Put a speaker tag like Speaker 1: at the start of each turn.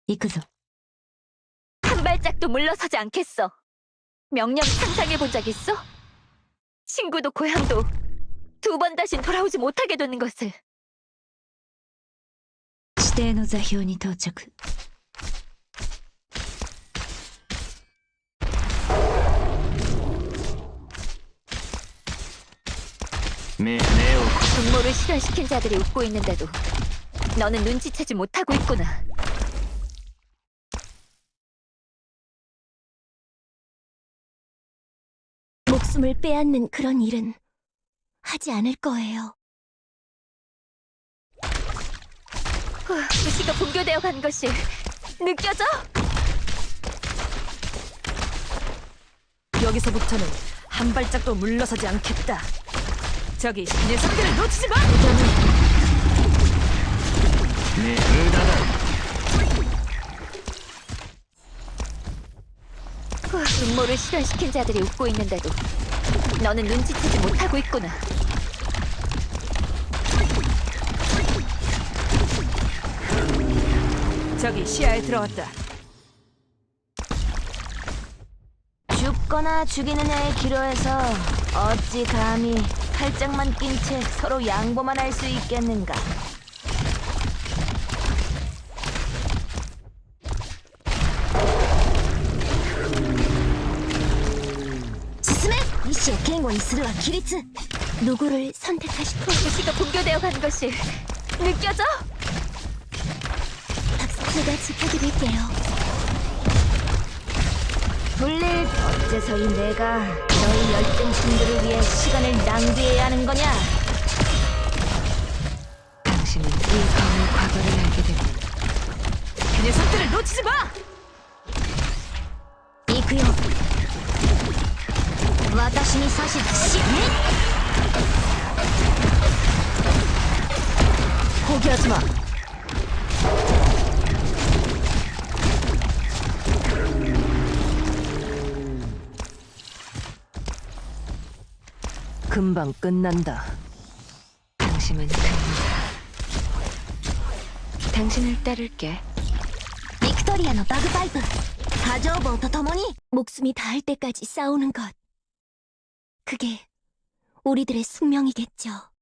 Speaker 1: 行くぞ。
Speaker 2: 한 발짝도 물러서지 않겠어. 명령 상상해본 적 있어? 친구도 고향도 두 번 다신 돌아오지 못하게 되는 것을.
Speaker 1: 指定の座標に到着。
Speaker 2: 분모를 실현시킨 자들이 웃고 있는데도 너는 눈치채지 못하고 있구나.
Speaker 3: 목숨을 빼앗는 그런 일은 하지 않을 거예요.
Speaker 2: 의식가 붕괴되어 간 것이 느껴져?
Speaker 4: 여기서부터는 한 발짝도 물러서지 않겠다. 저기 내 상대를 놓치지 마!
Speaker 2: 분모를 실현시킨 자들이 웃고 있는데도 너는 눈치채지 못하고 있구나.
Speaker 4: 저기 시야에 들어왔다.
Speaker 3: 죽거나 죽이는 애의 기로에서 어찌 감히 팔짱만 낀 채 서로 양보만 할 수 있겠는가. 進め、意志を堅固にするは規律. 누구를 선택하실
Speaker 2: 의식가 붕괴되어 간 것이 느껴져?
Speaker 3: 제가 지켜드릴게요. 불릴 어째서 내가 너희 열등신들을 위해 시간을 낭비해야 하는 거냐?
Speaker 1: 당신은 이 밤의 과거를 알게 되면
Speaker 4: 내 상대를 놓치지 마!
Speaker 3: 行くよ。私に指図し、
Speaker 4: 포기하지 마. 금방 끝난다.
Speaker 1: 당신은 갑니다. 당신을 따를게.
Speaker 3: ビクトリアのバグパイプ、波状棒と共に 목숨이 닿을 때까지 싸우는 것. 그게 우리들의 숙명이겠죠.